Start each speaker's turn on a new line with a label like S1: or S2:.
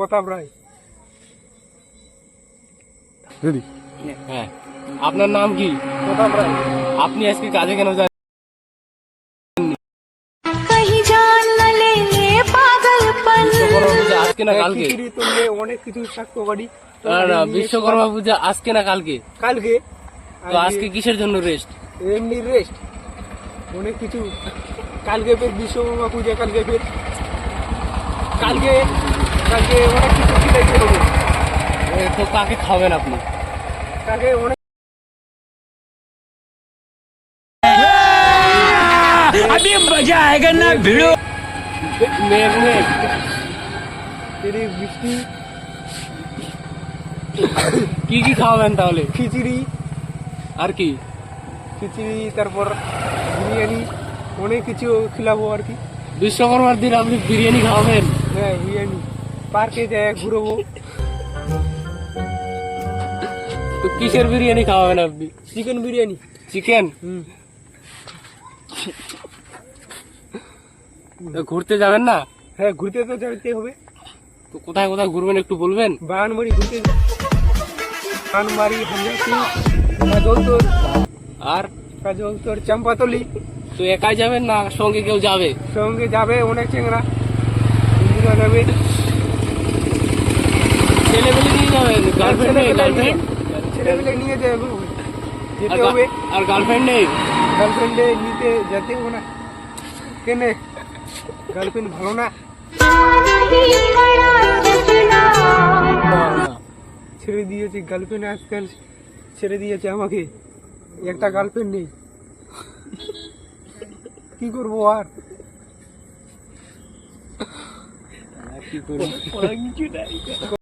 S1: প্রতাপ রায়।
S2: দিদি হ্যাঁ, আপনার নাম কি?
S1: প্রতাপ রায়।
S2: আপনি আজকে কাজে কেন যান? বিশ্বকর্মা পূজা আজকে না কালকে?
S1: খিচুড়ি তুললে অনেক কিছু থাকতো বাড়ি।
S2: না, বিশ্বকর্মা পূজা আজকে না কালকে?
S1: কালকে।
S2: তো আজকে কিসের জন্য রেস্ট?
S1: এমনি রেস্ট, অনেক কিছু। কালকে ফের বিশ্বকর্মা পূজা, কালকে ফের কালকে কালকে অনেক কিছু খিলাইতে হবে।
S2: তো কাকে খাবেন আপনি?
S1: কালকে অনেক
S3: अभी मजा आएगा ना भिड़ो।
S2: মেঘ মেঘ
S1: বৃষ্টি,
S2: কি কি খাওয়াবেন তাহলে?
S1: খিচুড়ি,
S2: আর কি?
S1: খিচুড়ি তারপর বিরিয়ানি, অনেক কিছু খিলাবো আর কি।
S2: বিশ্বকর্মার দিন আপনি বিরিয়ানি খাওয়াবেন?
S1: হ্যাঁ, বিরিয়ানি। পার্কে যায় ঘুরবো।
S2: তো কিসের বিরিয়ানি খাওয়াবেন আপনি?
S1: চিকেন বিরিয়ানি।
S2: চিকেন? ঘুরতে যাবেন না?
S1: হ্যাঁ, ঘুরতে তো যেতে হবে।
S2: তো কোথায় কোথায় ঘুরবেন একটু বলবেন?
S1: বাগানবাড়ি ঘুরতে, বাগানবাড়ি, হামজাসি, কাজলতোর,
S2: আর
S1: কাজলতোর, চম্পাতলি।
S2: তো একাই যাবেন না সঙ্গে কেউ যাবে?
S1: সঙ্গে যাবে অনেক চেংরা, বন্ধুরা যাবে।
S2: ছেলেমেলে নিয়ে যাবেন? গার্লফ্রেন্ড নেই? গার্লফ্রেন্ড?
S1: ছেলেমেলে নিয়ে যাবে, যেতে হবে।
S2: আর গার্লফ্রেন্ড নেই?
S1: গার্লফ্রেন্ডে নিতে যেতে হবে না। কেনে গার্লফ্রেন্ড ভালো না? ছেড়ে দিয়েছে গার্লফ্রেন্ড, আজকাল ছেড়ে দিয়েছে আমাকে। একটা গার্লফ্রেন্ড নেই, কি করবো আর?
S2: কি করবো?